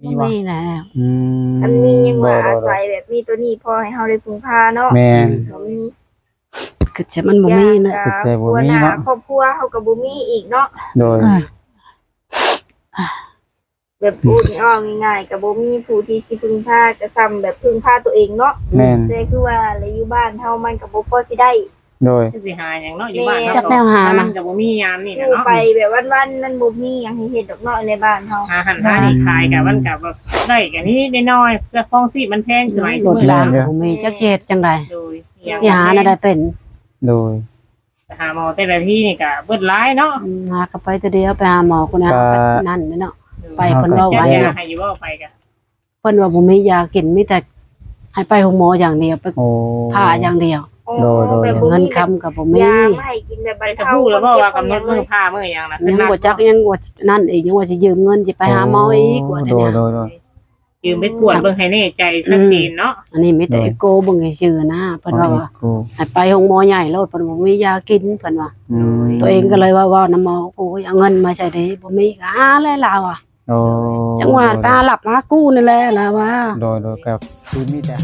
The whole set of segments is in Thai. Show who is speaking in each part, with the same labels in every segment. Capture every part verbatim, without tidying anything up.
Speaker 1: มีบ่มีแล้ว
Speaker 2: อืม
Speaker 3: อันมียังว่าอาศัยแบบมีตัวนี้พอให้เฮาได้พึ่งพาเนาะ
Speaker 2: แม่น
Speaker 3: บ่มี
Speaker 1: คือจะมันบ่มีนะ
Speaker 2: คือใจบ่มีเนาะ
Speaker 3: ครอบครัวเฮาก็บ่มีอีกเนาะ
Speaker 2: โดย
Speaker 3: แบบพูดอ้อง่ายๆก็บ่มีผู้ที่สิพึ่งพาจะซ้ำแบบพึ่งพาตัวเองเนาะ
Speaker 2: แม่น
Speaker 3: แต่คือว่าแล้วอยู่บ้านเฮามันก็บ่พอสิได้
Speaker 2: โดย
Speaker 4: สิหาหยังเนาะอยู่บ้าน
Speaker 1: จักแนวหานะ
Speaker 4: ก็บ่มียามนี่
Speaker 3: อยู่
Speaker 4: เนาะ
Speaker 3: ไปแบบวันๆมันบ่มีหยังให้เฮ็ดดอกเนาะในบ้านเฮา
Speaker 4: หาหันหานี่ขายก็มันก็แบบได้ก็นี้ได้น้อยเพื่อครองชีพมันแพงสมัย
Speaker 1: รถรางบ่มีจักเฮ็ดจังได๋
Speaker 4: โดย
Speaker 1: สิหาน่ะได้เป็น
Speaker 2: โดย
Speaker 4: หาหมอแต่ละที่นี่ก็เบิดหลายเนาะ
Speaker 1: หาก็ไปแต่เดียวไปหาหมอคนนั้นนั่นเนาะไปเพิ่นว่าไว้
Speaker 4: ให้อยู่บ่ไปก็
Speaker 1: เพิ่นว่าบ่มียากินมีแต่ให้ไปโรงหมออย่างเดียวไปผ่าอย่างเดียวเงินค้ำก็บ่มี
Speaker 3: ยาไม่ให้กินแบบบรร
Speaker 4: จะ
Speaker 3: เทา
Speaker 4: พูดแล้วบ่ว่ากำหนดมื้อพามื้อหยังน่ะ
Speaker 1: ยังบ่จักยังว่านั่นอีกยังว่าสิยืมเงินสิไปหาหมออีกว่า
Speaker 2: โดยโดยโดย
Speaker 4: ยืมไปกวดเบิ่งให้แน่ใจชัดเจนเนาะ
Speaker 1: อันนี้มีแต่เอโกเบิ่งให้ชื่อนะเพิ่นว่าให้ไปโรงหมอใหญ่โลดเพิ่นบ่มียากินเพิ่นว่าตัวเองก็เลยว่าว่าน้ำหมอโอ้ยเอาเงินมาใช้ได้บ่มีก็หาแล้วลาวอ่ะ
Speaker 2: โอ้
Speaker 1: จังหวะตาหลับมากู้นี่แหละล่ะว่า
Speaker 2: โดยโดยครับคือมีแต่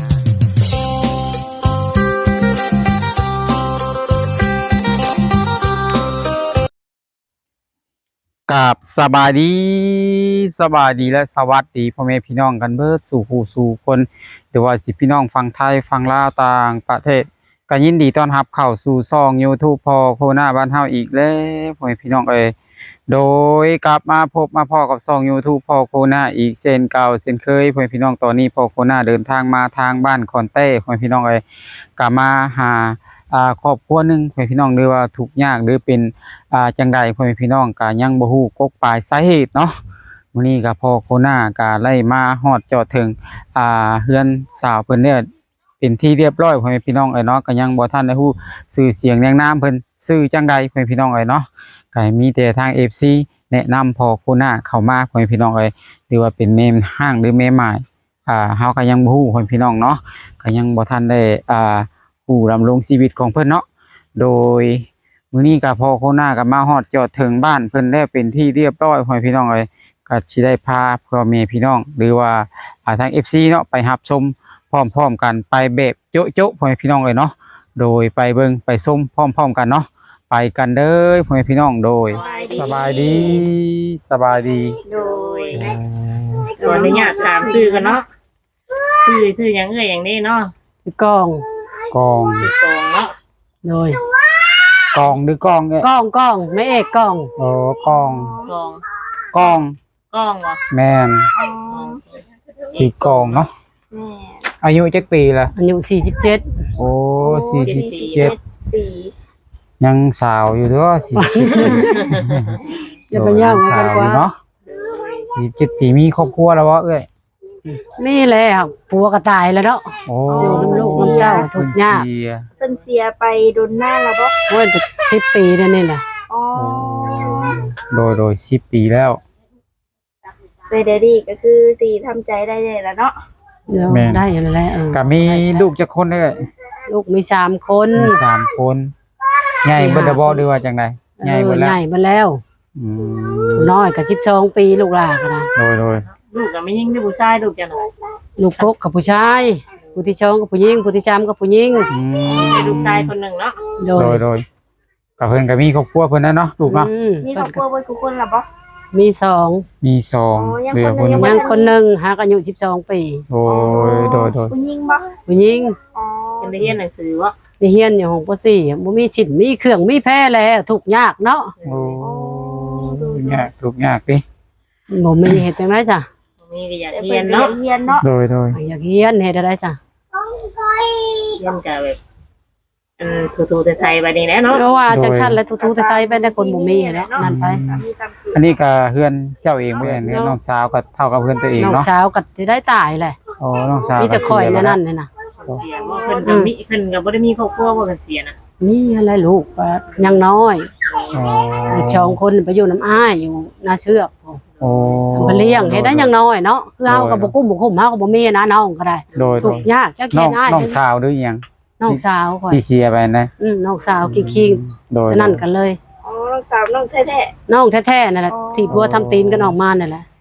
Speaker 2: กับสบายดีสบายดีและสวัสดีพ่อแม่พี่น้องกันเบิดสู่ผู้สู่คนหรือว่าสิพี่น้องฟังไทยฟังลาวต่างประเทศก็ยินดีต้อนรับเข้าสู่ช่อง YouTube พอโคนาบ้านเฮาอีกแล้วพ่อแม่พี่น้องเอ้ยโดยกลับมาพบมาพ่อกับช่อง YouTube พอโคนาอีกเช่นเก่าเช่นเคยพ่อแม่พี่น้องตอนนี้พอโคนาเดินทางมาทางบ้านคอนเต้พ่อแม่พี่น้องเอ้ยก็มาหาอ่าครอบครัวนึงพ่อแม่พี่น้องหรือว่าทุกข์ยากหรือเป็นอ่าจังใดพ่อแม่พี่น้องก็ยังบ่ฮู้กกปลายสาเหตุเนาะมื้อนี้ก็พอโคนาก็ไล่มาฮอดจอดถึงอ่าเฮือนสาวเพิ่นเนี่ยเป็นที่เรียบร้อยพ่อแม่พี่น้องเอ้ยเนาะก็ยังบ่ทันได้ฮู้ชื่อเสียงเรียงนามเพิ่นชื่อจังใดพ่อแม่พี่น้องเอ้ยเนาะก็มีแต่ทาง เอฟ ซี แนะนำพอโคนาเข้ามาพ่อแม่พี่น้องเอ้ยหรือว่าเป็นแม่ห้างหรือแม่หมายอ่าเฮาก็ยังบ่ฮู้พ่อแม่พี่น้องเนาะก็ยังบ่ทันได้อ่าฮู้ดำรงชีวิตของเพิ่นเนาะโดยมื้อนี้ก็พอโคนาก็มาฮอดจอดถึงบ้านเพิ่นแล้วเป็นที่เรียบร้อยพ่อแม่พี่น้องเอ้ยก็สิได้พาพ่อแม่พี่น้องหรือว่าอ่าทาง เอฟ ซี เนาะไปรับชมพร้อมๆกันไปแบบโจ๊ะๆพ่อแม่พี่น้องเอ้ยเนาะโดยไปเบิ่งไปชมพร้อมๆกันเนาะไปกันเด้อพ่อแม่พี่น้องโดยสบายดีสบายดี
Speaker 3: โดย
Speaker 4: ขออนุญาตถามชื่อกันเนาะชื่อชื่อหยังเอ้ยหยังนี้เนาะ
Speaker 1: คือกอง
Speaker 2: กอง
Speaker 4: คือกองเนาะ
Speaker 1: โดย
Speaker 2: กองหรือกองเอ้ย
Speaker 1: กองกองแม่เอกกอง
Speaker 2: โอ้กอง
Speaker 4: กอง
Speaker 2: กอง
Speaker 4: กองบ่
Speaker 2: แม่นชื่อกองเนาะ
Speaker 3: แม่
Speaker 2: อายุจักปีละ
Speaker 1: อายุสี่สิบเจ็ด
Speaker 2: โอ้สี่สิบเจ็ด
Speaker 3: ปี
Speaker 2: ยังสาวอยู่เด้อสี่สิบเจ็ดปี
Speaker 1: อย่าไปย่างกันกว่า
Speaker 2: เนาะสี่สิบเจ็ดปีมีครอบครัวแล้วบ่เอ้ย
Speaker 1: มีแล้วผัวก็ตายแล้วเนาะ
Speaker 2: โอ้
Speaker 1: อยู่นำลูกนำเต้าทุกข์ยาก
Speaker 3: เพิ่นเสียไปโดนหน้าแล้วบ่
Speaker 1: โอ้ยสิบปีแล้วนี่น่ะ
Speaker 3: อ๋อ
Speaker 2: โดยโดยสิบปีแล้ว
Speaker 3: เวเดดี้ก็คือสิทำใจได้แล้วเนาะ
Speaker 1: เดี๋ยวได้อยู่แล้วเออ
Speaker 2: ก็มีลูกจักคนเด้อ
Speaker 1: ลูกมีสามคน
Speaker 2: มีสามคนใหญ่เบิดบ่หรือว่าจังได๋ใหญ่เบิดแล้ว
Speaker 1: ใหญ่เบิดแล้วอืมน้อยก็สิบสองปีลูกหลานก็นะ
Speaker 2: โดยโดย
Speaker 4: ลูกก็ไม่ยิ่งด้วยผู้ชายลูกจังได๋
Speaker 1: ลูกกกกับผู้ชายผู้ที่สองกับผู้หญิงผู้ที่สามกับผู้หญิง
Speaker 2: อืม
Speaker 4: ลูกชายคนนึงเนาะ
Speaker 2: โดยโดยก็เพิ่นก็มีครอบครัวเพิ่นนะเนาะลูกเนาะ
Speaker 3: มีครอบครัวเบิดทุกคนล่ะบ่
Speaker 1: มีสอง
Speaker 2: มีสองเหลือคน
Speaker 1: ยังคนนึงหากอายุสิบสองปี
Speaker 2: โอ้ยโดยโดย
Speaker 3: ผู้หญิงบ่
Speaker 1: ผู้หญิง
Speaker 3: อ๋อ
Speaker 4: เป็นได้เรียนหนังสือบ่
Speaker 1: ได้เรียนอยู่ห้องป.สี่บ่มีชิ้นมีเครื่องมีแพร่แล้วทุกข์ยากเนาะ
Speaker 2: โอ้ยากทุกยากติ
Speaker 1: บ่มีเฮ็ดจังได๋จ้ะ
Speaker 4: มีก็อยากเรียนเนาะ
Speaker 3: เรียนเนาะ
Speaker 2: โดยโดย
Speaker 1: อยากเรียนเฮ็ดได้จ้ะ
Speaker 4: เรียนก็แบบอืมทูๆไทยๆบัดนี้แหละเนาะ
Speaker 1: เพราะว่าจังซั่นแล้วทูๆไทยๆไปได้คนบ่มีเนาะนั่นไป
Speaker 2: อันนี้ก็เฮือนเจ้าเองบ่เฮือนน้องสาวก็เท่ากับเฮือนตัวเองเนาะ
Speaker 1: น้องสาวก็สิได้ตายแหละ
Speaker 2: อ๋อน้องสาว
Speaker 1: มีแต่ข่อยนั่นนี่น่ะ
Speaker 4: เสียบ่เพิ่นก็มีเพิ่นก็บ่ได้มีครอบครัวบ่กันเสียน่ะ
Speaker 1: มีอะไรลูกก็ยังน้อย
Speaker 2: อ๋อ
Speaker 1: อีกสองคนไปอยู่น้ำอ้ายอยู่นาเชือก
Speaker 2: โอ้
Speaker 1: ทำเลี้ยงเฮ็ดได้ยังน้อยเนาะคือเฮาก็บ่กุ้มบ่คุ้มเฮาก็บ่มีนะน้องก็ได้ทุกยากจักเฮ็ดอ้าย
Speaker 2: น้องสาวหรือยัง
Speaker 1: น้องสาวข่อย
Speaker 2: ที่เสียไปนะ
Speaker 1: อืมน้องสาวคิงๆโดยนั่นกันเลย
Speaker 3: อ๋อน้องสาวน้องแท้
Speaker 1: ๆน้องแท้ๆนั่นแหละที่ผัวทำตีนกันออกมานั่นแหละ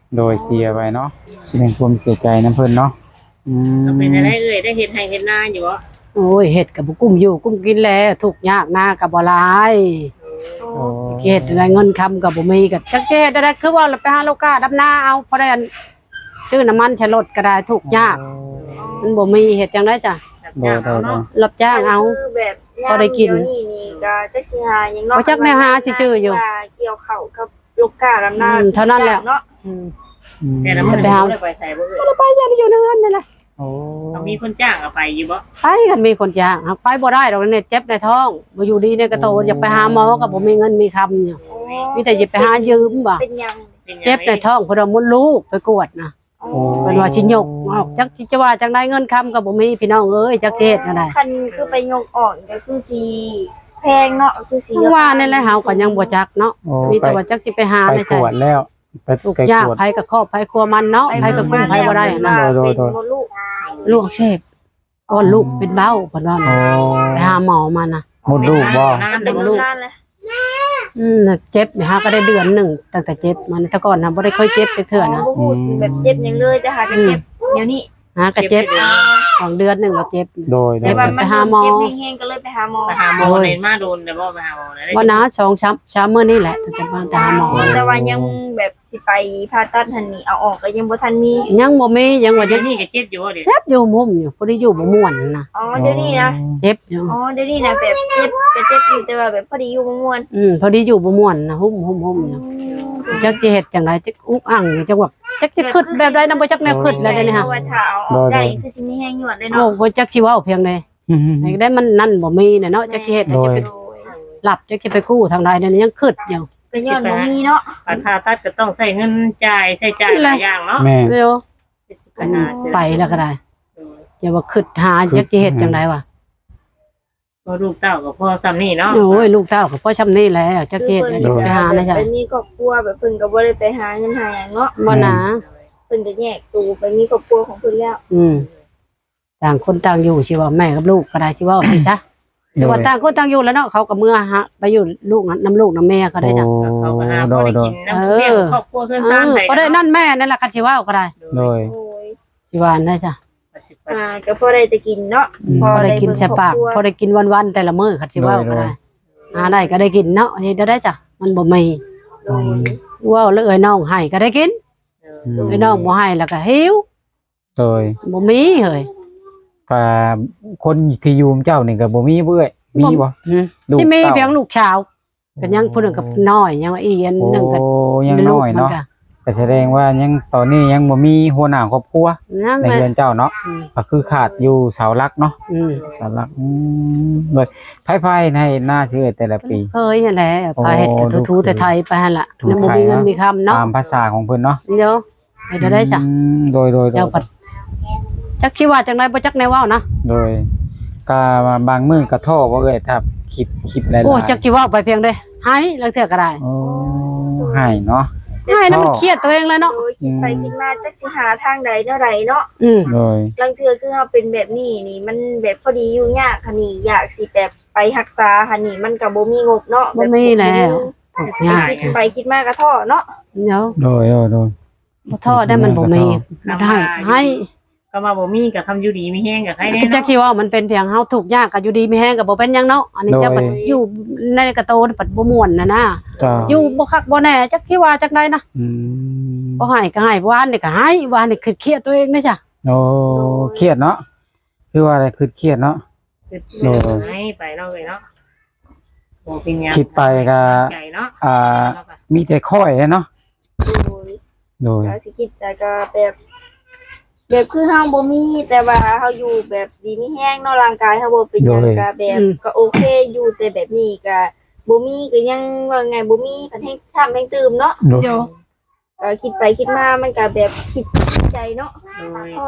Speaker 2: โดยเสียไปเนาะแสดงความเสียใจนํเพิ่นเนาะอืม
Speaker 4: ก็เป็นได้เอ่ยได้เฮ็ดให้เฮ็ดนาอยู่บ่
Speaker 1: โอ้ยเฮ็ดก็บ่กุ้มอยู่กุ้มกินแล้วทุกข์ยากหน้าก็บ่หลาย
Speaker 2: โอ้
Speaker 1: เฮ็ดได้เงินคำก็บ่มีก็จักเฮ็ดได้คือว่าเราไปหาลูกค้าดำนาเอาพอได้อันซื้อน้ำมันใช้รถก็ได้ทุกข์ยากมันบ่มีเฮ็ดจังได๋จ้ะ
Speaker 2: โดยโดยโดย
Speaker 1: รับจ้างเอา
Speaker 3: คือแบบ
Speaker 1: พอได้กิน
Speaker 3: เยวนี่นี่ก็จักสิหาหยังเนาะ
Speaker 1: บ่จักแนวหาซื่อๆอยู่
Speaker 3: ว่าเกี่ยวข้าวกับลูกค้าดำนา
Speaker 1: อืมเท่านั้นแหละ
Speaker 3: เนาะ
Speaker 1: อืม
Speaker 2: อืม
Speaker 4: แต่ละมื้อ
Speaker 1: ไปหา
Speaker 4: ได้ไปใส่บ่เอ่ย
Speaker 1: บ่ได้ไปอย่าได้อยู่ในเรือนนี่แหละ
Speaker 2: โอ้
Speaker 4: ต้องมีคนจ้างเอาไปอยู่บ่
Speaker 1: ไปกันมีคนจ้างหากไปบ่ได้ดอกเนี่ยเจ็บในท้องบ่อยู่ดีในกระโตอยากไปหาหมอก็บ่มีเงินมีคำอยู่มีแต่จะไปหายืมบ่
Speaker 3: เป็นหยัง
Speaker 4: เป็นหยัง
Speaker 1: เจ็บในท้องเพราะว่ามดลูกไปกวดนะ
Speaker 3: อ๋อ
Speaker 1: เพิ่นว่าสิยกออกจักจะว่าจังได้เงินคำก็บ่มีพี่น้องเอ้ยจักเฮ็ดนั่นได้
Speaker 3: คันคือไปยกออกก็คือสิแพงเนาะคือสิ
Speaker 1: ว่านี่แหละเฮาก็ยังบ่จักเนาะ
Speaker 2: โอ้
Speaker 1: มี
Speaker 2: ไป
Speaker 1: แต่ว่าจักสิไปหา
Speaker 2: ไป
Speaker 1: ได้
Speaker 2: ตร
Speaker 1: ใช่
Speaker 2: วจแล้วไป
Speaker 1: ลูก
Speaker 2: ไป
Speaker 1: ยาก
Speaker 2: ตรวจ
Speaker 1: ไผก็ครอบไผครัวมันเนาะไผก็กุ้มไผบ่ได้นะ
Speaker 2: โดยโดย
Speaker 3: เป็นมดลูก
Speaker 1: ลูกอักเสบก้อนลูกเป็นเบ้าเพิ่นว่า
Speaker 2: โอ้
Speaker 1: ไปหาหมอมานะ
Speaker 2: หมดลูกบ่
Speaker 4: นาน
Speaker 3: เป็
Speaker 4: เด้
Speaker 3: น
Speaker 4: อ
Speaker 3: ลู
Speaker 4: ลู
Speaker 3: ก
Speaker 4: ก
Speaker 3: นานเลย
Speaker 1: อืมเจ็บนี่ฮะก็ได้เดือนหนึงตั้งแต่เจ็บมันแต่ก่อนน่ะบ่ได้ค่อยเจ็บจักเทื่อนะ
Speaker 3: บ่พูดแบบเจ็บหยังเลยแต่หาก็เจ็บเดี๋ยวนี้
Speaker 1: ฮะก็เจ็บสองเดือนหนึงก็เจ็บ
Speaker 2: โดยโด
Speaker 3: แต่
Speaker 2: ย
Speaker 3: ว่ามัน
Speaker 1: ไปหาหมอ
Speaker 3: เจ็บแห้งๆก็เลยไปหาหมอ
Speaker 4: ไปหาหมอเล่นมาโดนแต่บ่ไปหาหมอได้
Speaker 1: บ่นะสองช้ำช้ำมื้อนี้แหละตั้งแต่บ้านตาหมอ
Speaker 3: แต่ว่ายังแบบสิไปผ่าตัดหันนี่เอาออกก็ยังบ่ทันมี
Speaker 1: ยังบ่มียังว่า
Speaker 4: เดี๋
Speaker 1: จะ
Speaker 4: ยวนี้ก็เจ็บอยู่บ่เดี๋ยว
Speaker 1: เจ็บอยู่มุมอยู่บ่ได้อยู่บ่ม่วนนะ
Speaker 3: อ๋อเดี๋ยวนี้นะ
Speaker 1: เจ็บอยู่
Speaker 3: อ๋อเดี๋ยวนี้นะแบบเจ็บก็เจ็บอยู่แต่ว่าแบบพอดีอยู่บ่ม่วน
Speaker 1: อืมพอดีอยู่บ่ม่วนนะหุ่มหุ่มหุ่มอยู่จักสิเฮ็ดจังไดจักอุกอังอยู่จังว่าจักสิคิดแบบใดนำบ่จักแนวคิดแล้วเดี๋ยวนี้ฮะ
Speaker 3: เพราะว่าถ้าเอาออกได้คือสิมีแห้งหยวดเลย
Speaker 1: โอ้
Speaker 3: เนาะ
Speaker 1: บ่จักสิเว้าเพียงใดให้ได้มันนั่นบ่มีน่ะเนาะจักสิเฮ็ดจักสิไปหลับจักสิไปกู้ทางใดเดี๋ยวนี้ยังคิดอยู่
Speaker 3: ก็ย้อนบ่มีเนาะ
Speaker 4: การผ่าตัดก็ต้องใช้เงินจ่ายใช้จ่ายหลายอย่างเนาะ
Speaker 2: แม่
Speaker 1: เร็ว
Speaker 4: ไปหาซื้อ
Speaker 1: ไปแล้วก็ได้อย่าว่าคิดหาจักสิเฮ็ดจังไดวะ
Speaker 4: พอลูกเต้าก็พอซ้ำนี่เนาะ
Speaker 1: โอ้ยลูกเต้าก็พอชำนี้แล้วจักสิเฮ็ดจักไปหานะจ๊ะ
Speaker 3: ไปมีครอบครัวแบบเพิ่นก็บ่ได้ไปหาเงินหาหยังเนาะ
Speaker 1: บ่นะ
Speaker 3: เพิ่นก็แยกตัวไปมีครอบครัวของเพิ่นแล้ว
Speaker 1: อืมต่างคนต่างอยู่สิว่าแม่กับลูกก็ได้สิว่าไปซะ แต่ว่าต่างคนต่างอยู่แล้วเนาะเขากับเมื่อฮะไปอยู่ลูกน้ำลูกน้ำแม่ก็ได้จ้ะ
Speaker 4: เขาก็หา
Speaker 2: โด
Speaker 4: บ่
Speaker 2: ย
Speaker 4: ได้
Speaker 2: โดย
Speaker 4: กินน้ำเลี้ยงครอบครัวเพื่อน
Speaker 1: เอ
Speaker 4: บ้าน
Speaker 1: อ
Speaker 4: ใด
Speaker 1: ก็ได้นั่นแม่นั่นแหละคันชิว่าก็ได้
Speaker 2: โดย
Speaker 3: โอ้ย
Speaker 1: ชิว่าได้จ้ะ
Speaker 3: อ่าก็พอได้แต่กินเนาะ
Speaker 1: พอได้กินใส่ปากพอได้กินวันๆแต่ละมื้อคันชิว่าก็ได้หาได้ก็ได้กินเนาะนี่ได้จ้ะมันบ่มี
Speaker 3: โดย
Speaker 1: ว่าแล้วเอ้ยน้องให้ก็ได้กินเอ้ยน้องบ่ให้แล้วก็หิว
Speaker 2: โดย
Speaker 1: บ่มีเฮ้ย
Speaker 2: ก็คนที่อยู่เจ้านี่ก็บ่มีเบื่อยมีบ่
Speaker 1: อืม
Speaker 2: ลูก
Speaker 1: สิมี
Speaker 2: เต้า
Speaker 1: เพียงลูกชาวก็ยังผู้หนึงกับน้อยยังว่าอีอัน
Speaker 2: โอ้
Speaker 1: หนึงก็
Speaker 2: ยังน้อยเนาะก็แสดงว่ายังตอนนี้ยังบ่มีหัวหน้าครอบครัว
Speaker 1: นั่น
Speaker 2: ใน
Speaker 1: แหละ
Speaker 2: เรือนเจ้าเนาะ
Speaker 1: อืม
Speaker 2: ก็คือขาดอยู่เสาหลักเนาะ
Speaker 1: อืม
Speaker 2: เสาหลักอืมโดยไผๆให้หน้าชื่อแต่ละปี
Speaker 1: เคยนั่นแหละพาเฮ็ดก็ทูๆแต่ไทยไปหั่นล่ะ
Speaker 2: ถู
Speaker 1: แล้วบ่
Speaker 2: ไทย
Speaker 1: มีเงิน
Speaker 2: เนาะ
Speaker 1: มีคำเนาะ
Speaker 2: ตามภาษาของเพิ่นเนาะ
Speaker 1: เดี๋ยวไปได้ได้จ้ะ
Speaker 2: อืมโดยโดยโด
Speaker 1: เจ้าย ปัดจักคิดว่าจังไดบ่จักแนวเว้านะ
Speaker 2: โดยก็บางมื้อก็ท้อบ่เอ้ยถ้าคิดคิดหลายๆ
Speaker 1: โอ้จักสิเว้าไปเพียงใดหายแล้วเทื่อก็ได้
Speaker 2: โอ้ให้เนาะ
Speaker 1: หายแล้วมันเครียดตัวเองเลยเนาะ
Speaker 3: โดยคิดไปคิดมาจักสิหาทางใดเท่าใดเนาะ
Speaker 1: อืม
Speaker 2: โดย
Speaker 3: ลังเทือคือเฮาเป็นแบบนี้นี่มันแบบพอดีอยู่ยากค่ะนี่อยากสิแบบไปรักษาค่ะนี่มันก็บ่มีงบเนาะ
Speaker 1: บ่มีแล้วทุก
Speaker 3: สิ
Speaker 1: อย่าง
Speaker 3: คิดไปคิดมาก็ท้อเนาะ
Speaker 1: เดี๋ยว
Speaker 2: โดยโดยโดย
Speaker 1: บ่ท้อได้มันบ่มีบ่ได้ให้
Speaker 4: ก็มาบ่มีกับคำอยู่ดีมีแห้งกับใครแน่
Speaker 1: จักคิดว่ามันเป็นเพียงเฮาทุกข์ยากก็อยู่ดีมีแฮงก็บ่เป็นหยังเนาะอันนี้เจ้าปัดอยู่ในกระโตนปัดบ่ม่วนน่ะนะ
Speaker 2: จ้า
Speaker 1: อยู่บ่คักบ่แน่จักคิดว่าจักไดนะ
Speaker 2: อืม
Speaker 1: บ่ให้ก็ให้วานนี่ก็ให้วานนี่คือเครียดตัวเองเด้อจ้ะ
Speaker 2: โอ้เครียดเนาะคือว่าอะไรคือเครียดเนาะ
Speaker 4: คือให้ไปเนาะเลยเนาะโอ้เป็นยัง
Speaker 2: คิดไปก็
Speaker 4: ใหญ่เนาะ
Speaker 2: อ่ามีแต่ค่อยเนาะ
Speaker 3: โดย
Speaker 2: โดย
Speaker 3: ก็สิคิดแต่ก็แบบแบบคือเฮาบ่มีแต่ว่าเฮาอยู่แบบดีมีแห้งเนาะร่างกายเฮาบ่เป็นหยังก็แบบก็โอเคอยู่แต่แบบนี้ก็บ่มีก็ยังว่าไงบ่มีก็ให้ทำให้ตื่มเนาะ
Speaker 2: โดย
Speaker 3: ก็คิดไปคิดมามันก็แบบคิดใจเนาะ
Speaker 4: โดย
Speaker 3: พ่อ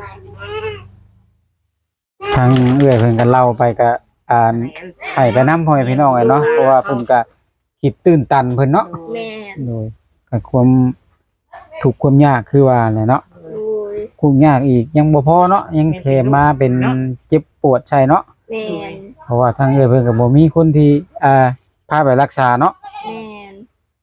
Speaker 2: ทางเอื้อยเพิ่นก็เล่าไปก็อ่านให้ไปนำพ่อแม่พี่น้องไอ้เนาะเพราะว่าเพิ่นก็คิดตื้นตันเพิ่นเนาะ
Speaker 3: แม่น
Speaker 2: โดยก็ความทุกข์ความยากคือว่าแหละเนาะ
Speaker 3: โดย
Speaker 2: คุกยากอีกยังบ่พอเนาะยังแถมมาเป็นเจ็บปวดใช่เนาะ
Speaker 3: แม่น
Speaker 2: เพราะว่าทางเอื้อยเพิ่นก็บ่มีคนที่อ่าพาไปรักษาเนาะ
Speaker 3: แม่น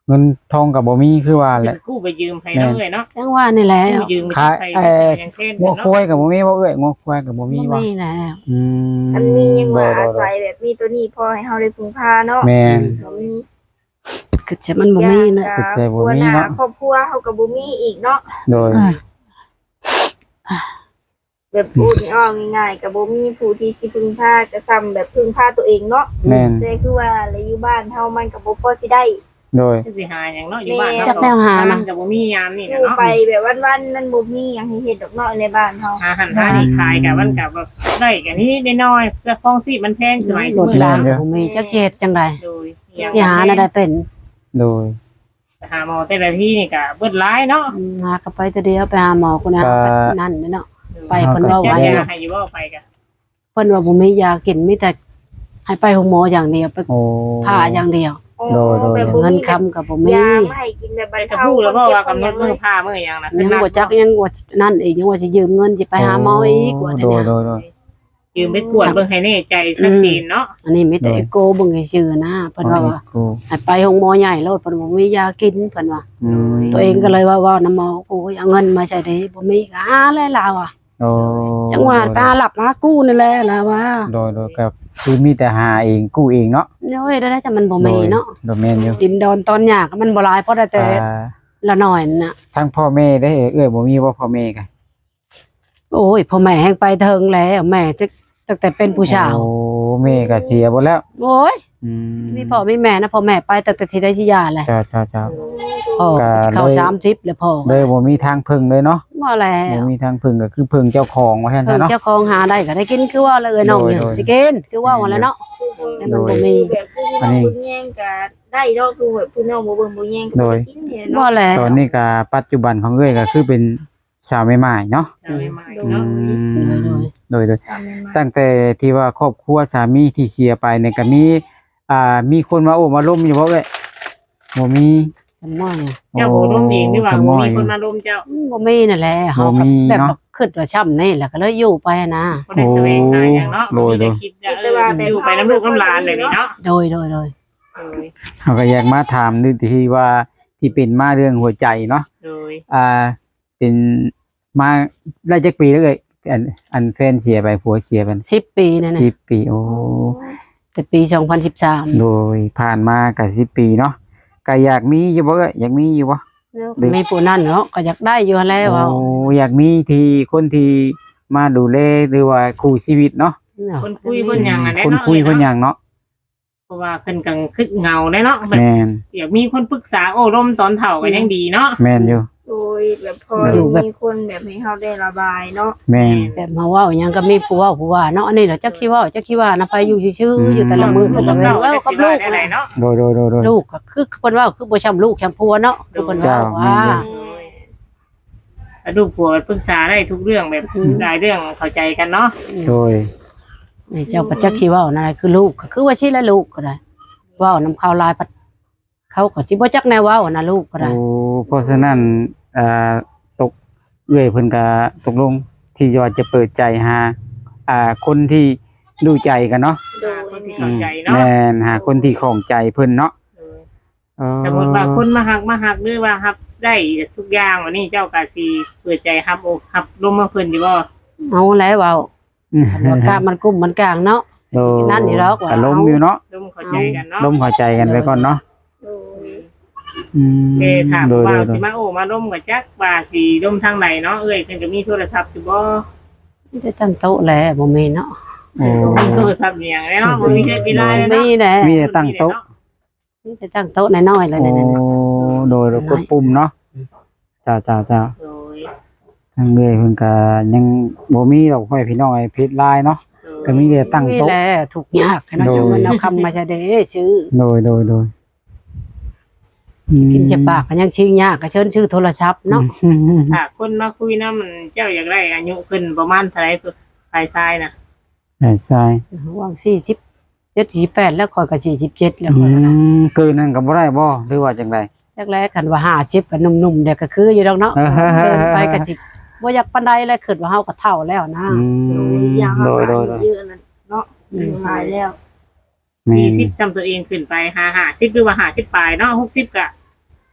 Speaker 2: เงินทองก็บ่มีคือว่าแห
Speaker 4: สิ
Speaker 2: ละ
Speaker 4: กู้ไปยืมให้เนาะเอ้ยเนาะ
Speaker 1: จังว่านี่แหละ
Speaker 4: กู้ยืมไป
Speaker 2: ขาย
Speaker 4: ไป
Speaker 2: เอ่อ
Speaker 4: อย่างเช่น
Speaker 2: งัว
Speaker 4: เนาะ
Speaker 2: ควายก็บ่มีบ่เอ้ยงัวควายก็บ่มี
Speaker 1: บ่
Speaker 2: บ่
Speaker 1: มีแล้ว
Speaker 2: อืม
Speaker 3: อันมียังว่าอา
Speaker 2: โด
Speaker 3: ศั
Speaker 2: ย
Speaker 3: ยแบบมีตัวนี้พอให้เฮาได้พึ่งพาเนาะ
Speaker 2: ๆแม่น
Speaker 3: บ่มี
Speaker 1: คือจะมันบ่มีนะ
Speaker 2: คือใจบ่มีเนาะ
Speaker 3: ครอบครัวเฮาก็บ่มีอีกเนาะ
Speaker 2: โดย
Speaker 1: อ่า
Speaker 3: แบบพูดนี่อ้อง่ายๆก็บ่มีผู้ที่สิพึ่งพาจะซ้ำแบบพึ่งพาตัวเองเนาะ
Speaker 2: แม่น
Speaker 3: แต่คือว่าแล้วอยู่บ้านเฮามันก็บ่พอสิได้
Speaker 2: โดย
Speaker 4: สิหาอย่างเนาะอยู่บ้าน
Speaker 1: จักแนวหานะ
Speaker 4: กับบ่มียามนี่
Speaker 3: อ
Speaker 4: นะ
Speaker 3: ยู่
Speaker 4: เนาะ
Speaker 3: ไปแบบวันๆมันบ่มีหยังให้เฮ็ดดอกเนาะในบ้านเฮา
Speaker 4: หาหันหานี่ขายกับมันกับแบบได้กันนี่ได้น้อยเพื่อฟองซีมันแพงสมัย
Speaker 1: รถ
Speaker 4: มื้อ
Speaker 1: ลา
Speaker 4: ละ
Speaker 1: งบ่มีจักเฮ็ดจังได๋
Speaker 4: โดยอย่าง
Speaker 1: สิหาน่ะได้เป็น
Speaker 2: โดย
Speaker 4: หาหมอแต่ละที่นี่ก็เบิดหลายเนาะ
Speaker 1: อืมหาก็ไปแต่เดียวไปหาหมอคนนั้น
Speaker 2: ก็
Speaker 1: ก็นั่นเนาะ ไปเพิ่นว่าไว้
Speaker 4: เสีย
Speaker 1: เนาะ
Speaker 4: ยาให้อยู่บ่ไปกัน
Speaker 1: เพิ่นว่าบ่มียากินมีแต่ให้ไปโรงหมออย่างเดียวไป
Speaker 2: โอ้
Speaker 1: ผ่าอย่างเดียว
Speaker 2: โดยโดย
Speaker 3: แบบบ่
Speaker 1: เงิน
Speaker 3: มี
Speaker 1: คำก็บ่มี
Speaker 3: ยามาให้กินแบบบรร
Speaker 4: ไปกับ
Speaker 3: เทา
Speaker 4: ผู้แล้วบ่ว่ากำหนด
Speaker 3: มื
Speaker 4: มื้อผ้ามื้อหยังน่ะ
Speaker 1: ยังบ่จักยังบ่นั่นอีกยังว่าสิยืมเงินสิไปหาหมออีกว่า
Speaker 2: โด
Speaker 1: เดี๋ยวย นี้
Speaker 2: โดยโดย
Speaker 4: ยืมไปกวดเบิ่งให้แน่ใจชัดเจนเนาะ
Speaker 1: อันนี้มีแต่เอโกเบิ่งซื่อๆนะเพิ่นว่าว่า
Speaker 2: กู
Speaker 1: ให้ไปโรงหมอใหญ่โลดเพิ่นบ่มียากินเพิ่นว่า
Speaker 2: อืม
Speaker 1: ตัวเองก็เลยว่าว่านำหมอโอ้ยเอาเงินมาใช้ได้บ่มีก็หาแล้วลาวอ่ะ
Speaker 2: โอ้
Speaker 1: จังหวะตาหลับมากู้นี่แหละล่ะว่า
Speaker 2: โดยโดยกับคือมีแต่หาเองกู้เองเนาะ
Speaker 1: โอ้ยได้แต่มันบ่มีเนาะ
Speaker 2: โดยแม่นอยู่
Speaker 1: ดินดอนตอนหยาก็มันบ่หลายเพราะได้แต่
Speaker 2: อ่า
Speaker 1: ละน้อยน่ะ
Speaker 2: ทั้งพ่อแม่ได้เอ้ยบ่มีบ่พ่อแม่กัน
Speaker 1: โอ้ยพ่อแม่แฮงไปเทิงแล้วแม่จะตั้งแต่เป็นผู้ชาว
Speaker 2: โอ้แม่ก็เสียบ่แล้ว
Speaker 1: โอ้ย
Speaker 2: อืม
Speaker 1: มีพ่อมีแม่นะพ่อแม่ไปตั้งแต่ที่ได้ที่ยาแหละ
Speaker 2: จ้าจ้าจ้า
Speaker 1: พ่อ
Speaker 2: ก็
Speaker 1: เข้า
Speaker 2: เลย
Speaker 1: สามสิบแล้วพ่อ
Speaker 2: เลยบ่มีทางพึ่งเลยเนาะ
Speaker 1: บ่แล้
Speaker 2: บ่
Speaker 1: ว
Speaker 2: มีทางพึ่งก็คือพึ่งเจ้าของว่าซั่น
Speaker 1: เพิ่น
Speaker 2: ซะเนาะ
Speaker 1: เจ้าของหาได้ก็ได้กินคือว่าเลยน้องเนี่ย
Speaker 2: โดยโดย
Speaker 1: สิกินคือว่าว่าแล้วเนาะ แต่มันบ่มี
Speaker 3: แบบคือน้องบ่แย่งก็ได้เนาะคือแบบคือน้องบ่เบิ่งบ่แย่งก็บ่ได้กินเนี่ย
Speaker 1: บ่
Speaker 3: เนาะ
Speaker 1: แล้ว
Speaker 2: ตอนนี้ก็ปัจจุบันของเอ้ยก็คือเป็นสาวใหม่ๆเนาะ
Speaker 4: จะไม่มา
Speaker 2: อื
Speaker 4: เนาะ
Speaker 2: มโดยโดย
Speaker 3: ตามนั้นมา
Speaker 2: ตั้งแต่ที่ว่าครอบครัวสามีที่เสียไปเนี่ยก็มีอ่ามีคนมาโอ้มาล้มอยู่บ่เอ้ยบ่มี
Speaker 1: จำว่าเนี่ย
Speaker 4: เจ้าบ่ร่มเองหรือว่า
Speaker 2: ส
Speaker 4: บ่
Speaker 2: มอย
Speaker 4: มีคนมาร่มเจ้า
Speaker 1: อืมบ่มีนั่นแหละเฮา
Speaker 2: บ่
Speaker 1: ก็
Speaker 2: มี
Speaker 1: แบบ
Speaker 2: เนาะ
Speaker 1: คิดว่าช้ำนี่แหละก็เลยอยู่ไปนะ
Speaker 4: บ่ได้แสวงหาหยังเนาะ
Speaker 2: โดยโดย
Speaker 4: บ่ได้คิดจะเอออยู่ไปน้ำลูกน้ำหลานแบบนี้เนาะ
Speaker 1: โดยโดยโดย
Speaker 4: โดย
Speaker 2: เขาก็อยากมาถามดูที่ว่าที่เป็นมาเรื่องหัวใจเนาะ
Speaker 4: โดย
Speaker 2: อ่า เป็นมาได้จักปีแล้วเอ้ยอันอันแฟนเสียไปผัวเสียไป
Speaker 1: สิบปีนั่นน่ะ
Speaker 2: สิบปีโอ้
Speaker 1: แต่ปีสองพันสิบสาม
Speaker 2: โดยผ่านมาก็สิบปีเนาะก็อยากมีอยู่บ่เอ้ยอยากมีอยู่บ่
Speaker 1: มีผู้นั่นเนาะก็อยากได้อยู่แล้วเอา
Speaker 2: โอ้อยากมีที่คนที่มาดูแลหรือว่าคู่ชีวิตเนาะ
Speaker 4: คนคุยเพิ่นหยังอ่ะแน่
Speaker 2: คน
Speaker 4: เนาะ
Speaker 2: คุยคนหยังเนาะ
Speaker 4: เพราะว่าเพิ่นกังคึกเงาได้เนาะแบบ
Speaker 2: แม่น
Speaker 4: อยากมีคนปรึกษาโอ้ร่มตอนเฒ่าก็ยังดีเนาะ
Speaker 2: แม่นอยู่
Speaker 3: โดยแบบพอ
Speaker 1: อยู่แบบ
Speaker 3: มีคนแบบให้เฮาได้ระบายเนาะ
Speaker 2: แม่น
Speaker 1: แบบมาเว่าหยังก็มีผู้เว่าผู้ว่าเนาะอันนี้เดี๋ยวจักคิดว่าจักคิดว่านะไปอยู่ชื่อ
Speaker 2: อืม
Speaker 1: ๆอยู่แต่ละมื้อแต่ละเวลา
Speaker 4: เว้า
Speaker 1: เว้า
Speaker 4: กั
Speaker 1: กั
Speaker 4: บบ ลู
Speaker 1: ลู
Speaker 4: ก
Speaker 1: ก
Speaker 4: ได้เนาะ
Speaker 2: โดยโดยโดยโดย
Speaker 1: ลูกก็คือเพิ่นเว่าคือบ่ช้ำลูกช้ำผัวเนาะคือเพิ่น
Speaker 2: เจ้า
Speaker 1: เว่าว่า
Speaker 2: แม่นอยู่
Speaker 4: ลูกผัวปรึกษาได้ทุกเรื่องแบบหลายเรื่องเข้าใจกันเนาะ
Speaker 2: โดย
Speaker 1: นี่เจ้าก็จักคิดว่านั่นแหละคือลูกก็คือว่าชื่อและลูกก็ได้เว้านำข่าวลายพัดเขาก็สิบ่จักแนวเว้านะลูกก็ได้
Speaker 2: โอ้เพราะฉะนั้นอ่าตกเอื้อยเพิ่นก็ตกลงที่ว่าจะเปิดใจหาอ่าคนที่ดูใจกันเนาะ
Speaker 3: โดย
Speaker 4: คนที่
Speaker 3: แม่
Speaker 4: เข้าใจเนาะ
Speaker 2: แม่นหาคนที่ของใจเพิ่นเนาะเออ
Speaker 4: สมมติว่าคนมาหักมาหักหรือว่าหับได้ทุกอย่างวันนี้เจ้าก็สิเปิดใจหับอกหับลมมาเพิ่นอยู่บ่
Speaker 1: เอาแล้วเว้าว่ากล้ามันกุ้มมันกลางเนาะ
Speaker 2: โดย
Speaker 1: นั่นนี่หรอกว่า
Speaker 2: ก็ล้มอยู่เนาะ
Speaker 4: ลมเข้าใจกันเนาะ
Speaker 2: ล้มเข้าใจกันไปก่อนเนาะ
Speaker 3: โดย
Speaker 2: อืม
Speaker 4: เอ้ถาม
Speaker 2: โดย
Speaker 4: ว่า
Speaker 2: โดยโด
Speaker 4: สิ
Speaker 2: ย
Speaker 4: มาโอ้มาล่มกับจักว่าสิล่มทางไหนเนาะเอ้ยเพิ่นก็มีโทรศัพท์อยู่บ่
Speaker 1: ไม่ได้ตั้งโต๊ะแล้วบ่มีเนาะ
Speaker 2: โอ้
Speaker 4: มีโทรศัพท์อย่างเนาะบ่มีใช้เวลาเลย
Speaker 1: มี
Speaker 4: เนาะ
Speaker 1: แหละ
Speaker 2: มีแต่ตั้งโต๊ะ
Speaker 1: มีแต่ตั้งโต๊ะน้อยๆเลย
Speaker 2: โอ้
Speaker 1: นั่นน่ะ
Speaker 2: โดยเรากดปุ่มเนาะจ้าจ้าจ้า
Speaker 4: โดย
Speaker 2: ทางเรื่อยเพิ่นก็ยังบ่มีดอกไม้พี่น้องไอ้เพชรลายเนาะก็มีแต่ตั้ง
Speaker 1: นี่
Speaker 2: โต๊ะ
Speaker 1: แหละถูกยากขนาด
Speaker 2: โดย
Speaker 1: เงินเอาคำมาใช้เด้ชื่อ
Speaker 2: โดยโดยโดยอืม
Speaker 1: กินจะปากก็ยังชื่อยากก็เชิญชื่อโทรศัพท์เนาะ
Speaker 2: อืม
Speaker 4: ถ้าคนมาคุยนำมันเจ้าอยากได้อายุขึ้นประมาณเท่าไหร่ฝ่ายชายน่ะ
Speaker 2: ใช่ใช่
Speaker 1: ว่างสี่สิบเจ็ดสี่แปดแล้วคอยกับสี่สิบเจ็ดแล้ว
Speaker 2: อื
Speaker 1: คอยนะ
Speaker 2: มเกินนั้นก็บ่ได้บ่หรือว่าจังได
Speaker 1: แรกๆกันว่าห้าสิบกับหนุ่มๆเด็กก็คืออยู่ดอกเนาะ
Speaker 2: เออ
Speaker 1: เดินไปก็สิบ่อยากปานใดแล้วคิดว่าเฮาก็เฒ่าแล้วนะ
Speaker 2: อื
Speaker 3: โด
Speaker 2: ม
Speaker 3: ยอยาง
Speaker 2: โด
Speaker 3: เฮาย
Speaker 2: โดยโดย
Speaker 3: เยอะนั่นเนาะอยู่หลายแล้ว
Speaker 2: แม่
Speaker 4: สี่
Speaker 2: น
Speaker 4: สิบจำตัวเองขึ้นไปห้าห้าสิบหรือว่าห้าสิบปลายเนาะหกสิบก็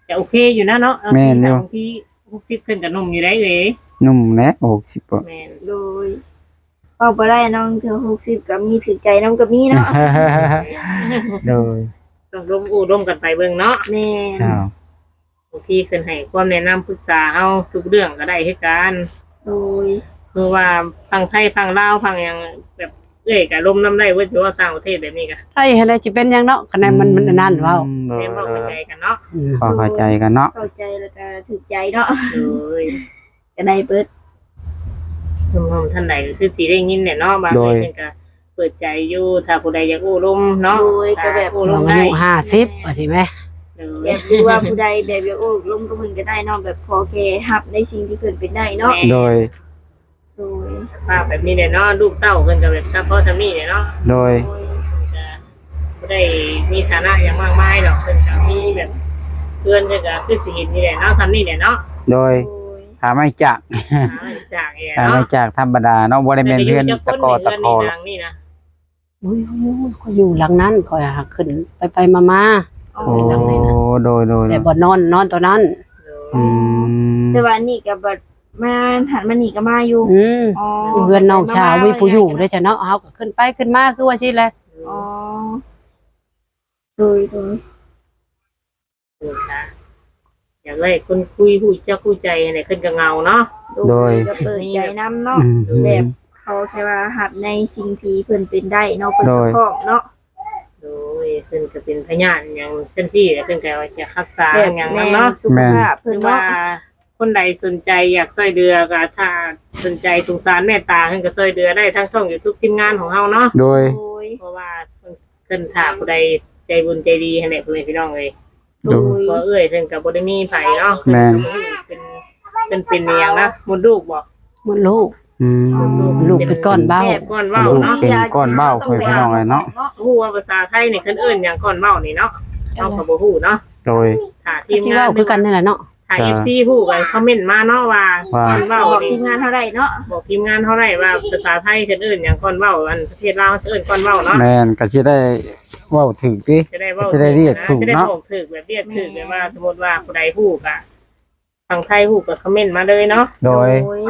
Speaker 4: จะโอเคอยู่นะเนาะ
Speaker 2: แม่นอยู่
Speaker 4: บางทีหกสิบขึ้นกับหนุ่มอยู่ได้เลย
Speaker 2: นุ่มแนะหกสิบบ่
Speaker 4: แม่น
Speaker 3: โดยเอาบ่ได้น้องเธอหกสิบก็มีถือใจน้องก็มีเนาะ
Speaker 2: โดย
Speaker 4: ต้องร่วมอู้ร่วมกันไปเบิ่งเนาะ
Speaker 3: แม่น
Speaker 2: อ้าว
Speaker 4: บางทีขึ้นให้ความแนะนำปรึกษาเฮาทุกเรื่องก็ได้คือกัน
Speaker 3: โดย
Speaker 4: คือว่าฟังไทยฟังลาวฟังหยังแบบเอ้ยก็ลมน้ำได้เว้ยถือว่าต่างประเทศแบบนี้ก็
Speaker 1: ไอ้อะไรจะเป็นหยังเนาะคะแนนมันมันนั่นเว้า
Speaker 2: โดย
Speaker 4: แม่นบ่เข้าใจกันเนาะ
Speaker 1: อืม
Speaker 2: พอเข้าใจกันเนาะ
Speaker 3: เข้าใจแล้วก็ถือใจเนาะ
Speaker 4: โดย
Speaker 3: ก็ได้เบิด
Speaker 4: คุณผู้ชมท่านใดก็คือสิได้ยินเนี่ยเนาะบางทีเพิ่นก็เปิดใจอยู่ถ้าผู้ใดอยากอู้ลมเนาะ
Speaker 3: โดยก็แบบ
Speaker 4: อู้ล
Speaker 1: เรา
Speaker 4: ม
Speaker 1: อา
Speaker 4: ได้
Speaker 1: ยุห้าสิบว่าสิแม่
Speaker 4: โด
Speaker 3: แบ
Speaker 4: ย
Speaker 3: บรู้ว่าผู้ใดแบบอยากโอ้ลมก็เพิ่นก็ได้เนาะแบบพอแค่รับในสิ่งที่เพิ่นเป็นได้เนาะ
Speaker 2: โดย
Speaker 3: โดย
Speaker 4: ภาพแบบนี้เนี่ยเนาะลูกเต้าเพิ่นก็แบบซัพพอร์ตทำนี่เนี่ยเนาะ
Speaker 2: โดย
Speaker 3: โดย
Speaker 4: ก็บ่ได้มีฐานะอย่างมากมายดอกเพิ่นก็มีแบบเพื่อนเพิ่นก็คือสิเห็นนี่แหละเนาะซ้ำนี่เนี่ยเนาะ
Speaker 2: โดย
Speaker 3: โดย
Speaker 2: หาไม่จาก
Speaker 4: หาจากเนี่ย
Speaker 2: หาไม่
Speaker 4: เนาะ
Speaker 2: จากธรรมดาเนาะบ่ได้แม่นเพื่อนตะกอตะคอ
Speaker 4: เรืนนี่นางนี่นะ
Speaker 1: อุ้ยก็อยู่หลังนั้นคอยหาขึ้นไปไปมามา
Speaker 3: อ๋อ
Speaker 2: โอ้โดยโดย
Speaker 1: แต่บ่นอนนอนตัวนั้น
Speaker 2: อืม
Speaker 3: แต่ว่านี่ก็บัดมาหันมานี่ก็มาอยู่
Speaker 1: อืม
Speaker 3: อ๋อ
Speaker 1: เพื่อนน้องชาวมีผู้อยู่ด้วยจ้ะเนาะเฮาก็ขึ้นไปขึ้นมาคือว่าสิแหละ
Speaker 3: อ๋อโดยโดย
Speaker 4: โอ้ค่ะอยากได้คนคุยผู้เจ้าผู้ใจอะไรขึ้นกับเงาเนาะ
Speaker 3: โดยก็เปิดใจนํเนาะ
Speaker 2: อืม
Speaker 3: แบบเขาแค่ว่าหับในสิ่งที่เพิ่นเป็นได้เนาะเพิ่นก็พร้อมเนาะ
Speaker 4: โดยขึ้นก็เป็นพยานอย่างเช่นที่ขึ้นก็ว่าจะรักษา
Speaker 3: แบบ
Speaker 4: อย่าง
Speaker 3: แม่
Speaker 4: นั้นเนาะ
Speaker 3: สุขภาพ
Speaker 4: ห
Speaker 3: เพิ่
Speaker 4: รื
Speaker 3: น
Speaker 4: อว่า
Speaker 3: เนาะ
Speaker 4: คนใดสนใจอยากช่วยเดือก็ถ้าสนใจสงสารเมตตาขึ้นก็ช่วยเดือได้ทั้งช่อง YouTube ทีมงานของเฮาเนาะ
Speaker 2: โดย
Speaker 3: โดย
Speaker 4: เพราะว่าขึ้นถ้าผู้ใดใจบุญใจดีให้แหละพ่อแม่พี่น้องเอ้ย
Speaker 3: โดย
Speaker 4: บ่เอ้ยเพิ่นก็บ่ได้มีไผเนาะ
Speaker 2: แม่น
Speaker 4: เป็นเป็นเป็นอหยังนะมดลูกบ่
Speaker 1: หมันลูก
Speaker 2: อืม
Speaker 1: ลูกเป็นก้อนเบ้า
Speaker 4: แบบก้อนเบ้า
Speaker 2: ลูก
Speaker 4: เนาะ
Speaker 2: เป็นก้อนเบ้าเพิ่นพี่น้องเลยเนาะ
Speaker 4: ฮู้ว่าภาษาไทยนี่เพิ่นเอิ้นหยังก้อนเบ้านี่เนาะเฮาก็บ่ฮู้เนาะ
Speaker 2: โดย
Speaker 4: ถ้าที
Speaker 1: ที่
Speaker 4: มงา
Speaker 1: เว้าน คือกันนี่แหละเนาะ
Speaker 4: ถ้า เอฟ ซี ฮู้ก็คอมเมนต์มาเนาะว่า
Speaker 2: ว่า
Speaker 4: ก้อนเบ้า
Speaker 3: บอก
Speaker 4: นี่
Speaker 3: ทีมงานเท่าไหร่เนาะ
Speaker 4: บอกทีมงานเฮาได้ว่าภาษาไทยเพิ่นเอิ้นหยังก้อนเบ้าอันประเทศลาวเอิ้นก้อนเบ้าเนาะ
Speaker 2: แม่นก็สิได้เว้าถึกสิ
Speaker 4: จะได้เว้า
Speaker 2: จะได้เรียกถูก
Speaker 4: จะได้
Speaker 2: เนาะ
Speaker 4: บอกถูกแบบเรียกถูกแบบว่าสมมุติว่าผู้ใดฮู้ก็ทางไทยฮู้ก็คอมเมนต์มาเลยเนาะ
Speaker 2: โดย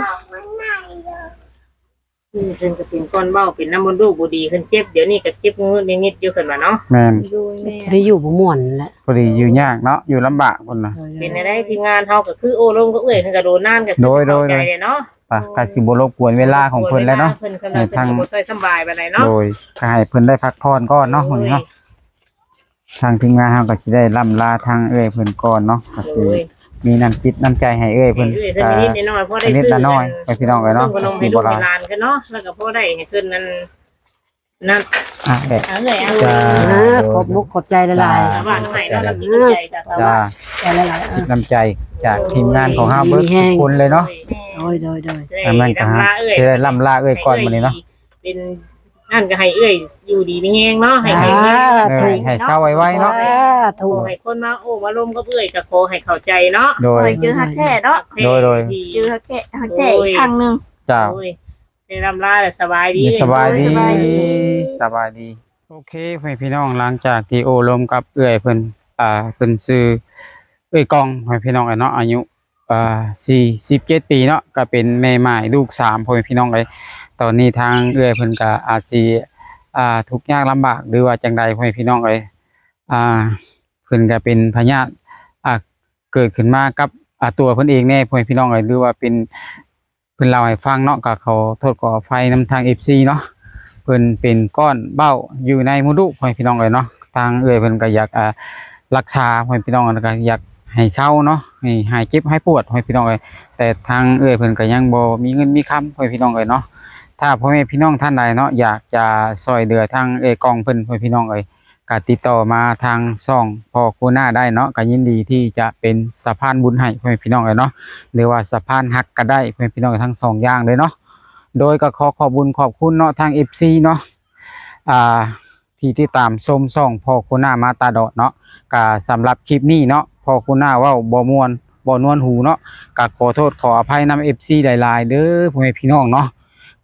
Speaker 4: คือเพิ่นก็เป็นก้อนเบ้าเป็นน้ำมันต์ลูกบ่ดีเพิ่นเจ็บเดี๋ยวนี้ก็เจ็บงุดงิดอยู่เพิ่นว่าเนาะ
Speaker 2: แม่น
Speaker 3: โดยแม่
Speaker 1: บ่ได้อยู่บ่ม่วนแหละ
Speaker 2: พอดีอยู่ยากเนาะอยู่ลำบากพุ่นน่ะ
Speaker 4: เป็นได้ทีมงานเฮาก็คือโอ้ลงก็เอ้ยเพิ่นก็โดนนานก็คือ
Speaker 2: โดยโดย
Speaker 4: เข้าใจเลยเนาะ
Speaker 2: ปะก็สิบ่รบกวนเวลาของเพิ่นแล้วเนาะ
Speaker 4: เพิ่นกำลัง
Speaker 2: ทาง
Speaker 4: เพิ่นก็บ่ค่อยสำบายปานใดเนาะ
Speaker 2: โดยก็ให้เพิ่นได้พักผ่อนก่อนเนาะมื้อนี้เนาะทางทีมงานเฮาก็สิได้ล่ำลาทางเอ้ยเพิ่นก่อนเนาะก็สิ
Speaker 4: โดย
Speaker 2: มีน้ำจิตน้ำใจให้เอ้ย
Speaker 4: เพิ่
Speaker 2: เพิ่
Speaker 4: น
Speaker 2: น
Speaker 4: เอ้ยเพิ่น
Speaker 2: ก็
Speaker 4: นิดๆหน่อยๆพอได้
Speaker 2: นิด
Speaker 4: ซื้อ
Speaker 2: ละน้อยไปพี่น้องเอ้ยเนาะ
Speaker 4: พิ่ก็ลงให้ลูกให้หลานกันเนาะแล้วก็พอได้ให้เพิ่นนั้นนั่น
Speaker 2: อ่ะเด็ก
Speaker 4: เอาเลยเอา
Speaker 2: จ้า
Speaker 1: อ่าขอบมุกขอบใจหลาย
Speaker 4: สาวบ้านให้เนาะเรากินใจจ้ะสาว
Speaker 2: จ้า
Speaker 4: บ้าน
Speaker 1: ๆใจหลายๆ
Speaker 2: จิ
Speaker 1: อ่ะ
Speaker 2: ตน้ำใจจากทีมงานของเฮาเบิดทุกคนเลยเนาะ
Speaker 1: โดยโดยโดย
Speaker 2: อันนั้นก็ฮะสิได้ล่ำลาเอ้ยก่อนมื้อนี้เนาะ
Speaker 4: เป็นนั่นก็ให้เอ้ยอยู่ดีมีแฮงเนาะให้
Speaker 1: สา
Speaker 4: ให้เอ้ย
Speaker 2: เอ
Speaker 1: ธุ
Speaker 2: อให้เศร้าไว้ๆเนาะ
Speaker 1: สา
Speaker 4: ข
Speaker 1: ธุ
Speaker 4: อให้คนมาโอ้มาลมก็เอ้ยก็ขอให้เข้าใจเนาะ
Speaker 2: โด
Speaker 3: โด
Speaker 2: ย
Speaker 3: ยเจอฮักแท้เนาะ
Speaker 2: โดยโดย
Speaker 3: เจอฮักแท้ฮักแท้อีกครั้งหนึง
Speaker 2: เจ้า
Speaker 4: โอ้ยได้รำลาแล้วสบายดี
Speaker 2: สบายดี
Speaker 3: สบายดี
Speaker 2: สบายดี โอเคพ่อแม่พี่น้องหลังจากที่โอ้ลมกับเอื้อยเพิ่นอ่าเพิ่นชื่อเอ้ยกองพ่อแม่พี่น้องเอ้ยเนาะอายุอ่าสี่สิบเจ็ดปีเนาะก็เป็นแม่ไม้ลูกสามพ่อแม่พี่น้องเอ้ยตอนนี้ทางเอื้อยเพิ่นก็อาจสิอ่าทุกข์ยากลำบากหรือว่าจังใดพ่อแม่พี่น้องเอ้ยอ่าเพิ่นก็เป็นพยาธิอ่าเกิดขึ้นมากับอ่าตัวเพิ่นเองแน่พ่อแม่พี่น้องเอ้ยหรือว่าเป็นเพิ่นเล่าให้ฟังเนาะก็ขอโทษขออภัยนำทาง เอฟ ซี เนาะ เพิ่นเป็นก้อนเบ้าอยู่ในมดลูกพ่อพี่น้องเลยเนาะทางเอื้อยเพิ่นก็อยากอ่ารักษาพ่อพี่น้องแล้วก็อยากให้เศร้าเนาะให้หายเจ็บหายปวดพ่อพี่น้องเลยแต่ทางเอื้อยเพิ่นก็ยังบ่มีเงินมีคำพ่อพี่น้องเลยเนาะถ้าพ่อแม่พี่น้องท่านใดเนาะอยากจะช่วยเหลือทางเอื้อยกองเพิ่นพ่อพี่น้องเลยก็ติดต่อมาทางช่องพ่อคูหน้าได้เนาะก็ยินดีที่จะเป็นสะพานบุญให้พ่อพี่น้องเลยเนาะหรือว่าสะพานฮักก็ได้พ่อพี่น้องทั้งสองอย่างเลยเนาะโดยก็ขอขอบคุญขอบคุณเนาะทาง เอฟ ซี เนาะอ่าที่ที่ตามชมช่องพ่อคุณหน้ามาตาดอดเนาะก็สำหรับคลิปนี้เนาะพ่อคุณหน้าเว้าบ่ม่วนบ่นวลหูเนาะก็ขอโทษขออภัยนำ เอฟ ซี หลายๆเด้อพ่อแม่พี่น้องเนาะ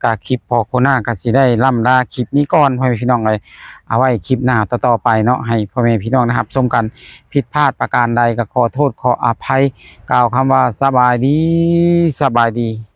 Speaker 2: กะคลิปพอโคน่าก็สิได้ล่ำลาคลิปนี้ก่อนพ่อแม่พี่น้องเลยเอาไว้คลิปหน้าต่อๆไปเนาะให้พ่อแม่พี่น้องนะครับชมกันผิดพลาดประการใดก็ขอโทษขออภัยกล่าวคำว่าสบายดีสบายดี